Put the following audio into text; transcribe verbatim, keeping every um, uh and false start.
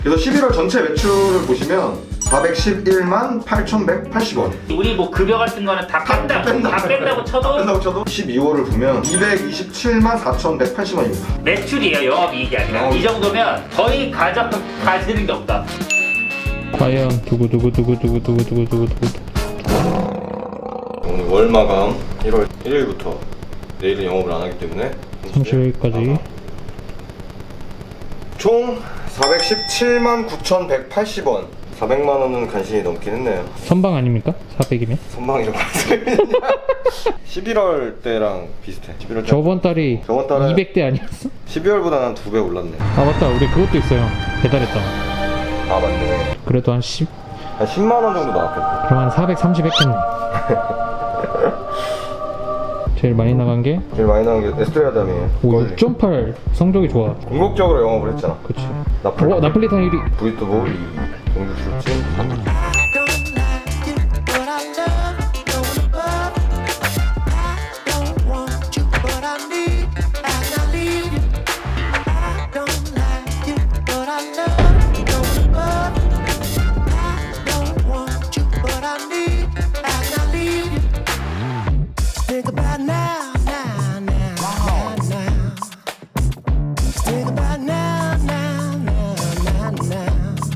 그래서 십일월 전체 매출을 보시면 사백십일만 팔천백팔십 원. 우리 뭐 급여 같은 거는 다 다 뺀다, 뺀다. 다 뺀다고 쳐도 뺀다고 쳐도 십이월을 보면 이백이십칠만 사천백팔십 원입니다. 매출이에요, 영업이익이 아니라. 어. 이 정도면 거의 가져 가지는 게 없다. 과연 두구두구두구두구두구두구두구두구. 오늘 월 마감 일월 일일부터 내일은 영업을 안 하기 때문에 삼십일까지 총 사백십칠만 구천백팔십 원. 사백만 원은 간신히 넘긴 했네요. 선방 아닙니까? 사백이면? 선방이라고 말씀드렸냐? 십일월 때랑 비슷해. 십일월 때 저번 달이 저번 달에 이백 대 아니었어? 십이월보다는 한 두 배 올랐네. 아 맞다, 우리 그것도 있어요. 배달했잖아. 아 맞네. 그래도 한 십, 한 십만 원 정도 나왔겠다. 그럼 한 사백삼십 했겠네. 제일 많이 나간 게 제일 많이 나온 게 에스트레아담이에요. 오, 육 점 팔. 성적이 좋아. 궁극적으로 영업을 했잖아. 그치. 나폴리. 어, 나폴리탄 일 위. 브리또보 이 위. 공주술진 삼 위. don't like you, but I love you, going above. I don't want you, but I need, and I need you. I don't like you, but I love you, going above. I don't want you, but I need, and I need you. Think about now.